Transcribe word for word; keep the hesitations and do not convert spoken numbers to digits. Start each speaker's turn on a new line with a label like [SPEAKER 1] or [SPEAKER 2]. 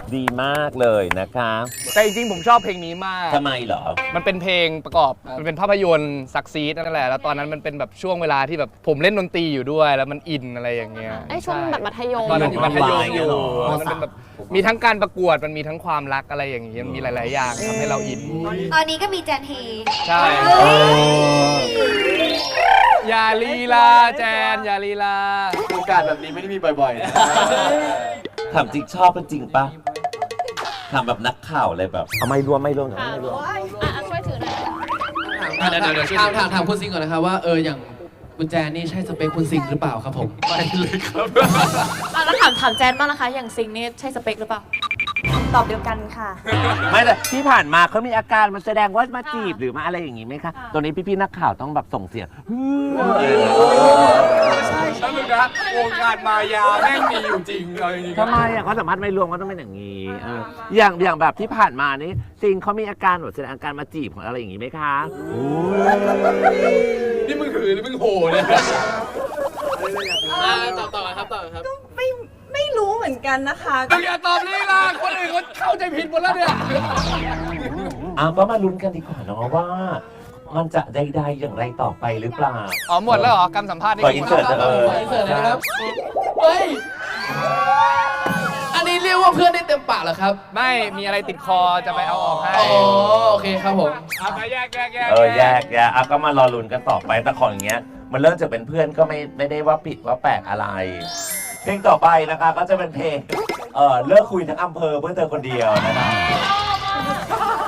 [SPEAKER 1] ดีมากเลยนะคะ
[SPEAKER 2] แต่จริงๆผมชอบเพลงนี้มาก
[SPEAKER 1] ทำไมเหรอ
[SPEAKER 2] มันเป็นเพลงประกอบมันเป็นภาพยนตร์ซักซีดนั่นแหละแล้วตอนนั้นมันเป็นแบบช่วงเวลาที่แบบผมเล่นดนตรีอยู่ด้วยแล้วมันอินอะไรอย่างเงี้ย
[SPEAKER 3] ไอ้ช่วงแบบมัธยม
[SPEAKER 2] ตอนนั้นอยู่มัธยมอยู่
[SPEAKER 1] อ๋อ
[SPEAKER 2] มันเป็นแบบมีทั้งการประกวดมันมีทั้งความรักอะไรอย่างเงี้ยมีหลายๆอย่างทำให้เราอิน
[SPEAKER 4] ตอนนี้ก็มีแจนเฮ
[SPEAKER 2] ใช่อย่าลีลาแจนอย่าลีลา
[SPEAKER 5] โอกาสแบบนี้ไม่ได้มีบ่อยๆนะ
[SPEAKER 1] ถามจริงชอบเป็นจริงปะถามแบบนักข่าวเลยแบบเอาไม่รวมไม่รวมไม่รวม
[SPEAKER 3] อ่ะช่วยถือหน่อย
[SPEAKER 6] อ่ะเดี๋ยวเดี๋ยวถามถามถามคุณซิงก่อนนะครับว่าเอออย่างคุณแจนนี่ใช่สเปคคุณซิงหรือเปล่าครับผมไม่เลยครับ
[SPEAKER 3] อ่ะแล้วถามถามแจนบ้างนะคะ อย่างซิงนี่ใช่สเปคหรือเปล่า
[SPEAKER 4] ตอบเดียวกันค่ะ
[SPEAKER 1] ไม่แต่ที่ผ่านมาเขามีอาการมันแสดงว่ามาจีบหรือมาอะไรอย่างงี้ไหมคะตรงนี้พี่ๆนักข่าวต้องแบบส่งเสียง
[SPEAKER 2] ใช่ใช่เลยนะวงการมายาแม่งมีอยู่จริงเอาจริง
[SPEAKER 1] ทำไมอ่ะเขาสามารถไม่รวมก็ต้องเป็นอย่างนี้เอออย่างอย่างแบบที่ผ่านมานี่ซิงเขามีอาการแบบแสดงอาการมาจีบของอะไรอย่างงี้ไหมคะ
[SPEAKER 2] นี่มึงหือหรือมึงโหเนี่ย
[SPEAKER 6] ต่อต่อครับต่อครับ
[SPEAKER 4] ไม่ไม่รู้เหมือนกันนะคะ
[SPEAKER 2] มึงอย่าตอบลีลาคนอื่นเขาเข้าใจผิดหมดแล้วเนี่ย
[SPEAKER 1] อ้าวก็มาลุ้นกันดีกว่าเนาะว่า มันจะใดๆอย่างไรต่อไปหรือเปล่า
[SPEAKER 2] อ๋อหมดแล้วเหรอการสัมภาษณ์นี่
[SPEAKER 1] ขออินเสิร์ตเออ
[SPEAKER 6] ขออินเสิร์ตนะครับเฮ้ยอันนี้เรียกว่าเพื่อนได้เต็มปากเหรอครับ
[SPEAKER 2] ไม่มีอะไรติดคอจะไปเอาออกให้
[SPEAKER 6] อ๋อโอเคครับผม
[SPEAKER 2] เอาไปแยกแยกแยก
[SPEAKER 1] เออแยกแยกอ่ะก็มารอลุ้นกันต่อไปแต่ของอย่างเงี้ย มันเริ่มจากเป็นเพื่อนก็ไม่ไม่ได้ว่าผิดว่าแปลกอะไร เพลงต่อไปนะคะก็จะเป็นเพลงเออเลิกคุยทั้งอำเภอเพื่อเธอคนเดียวนะคะ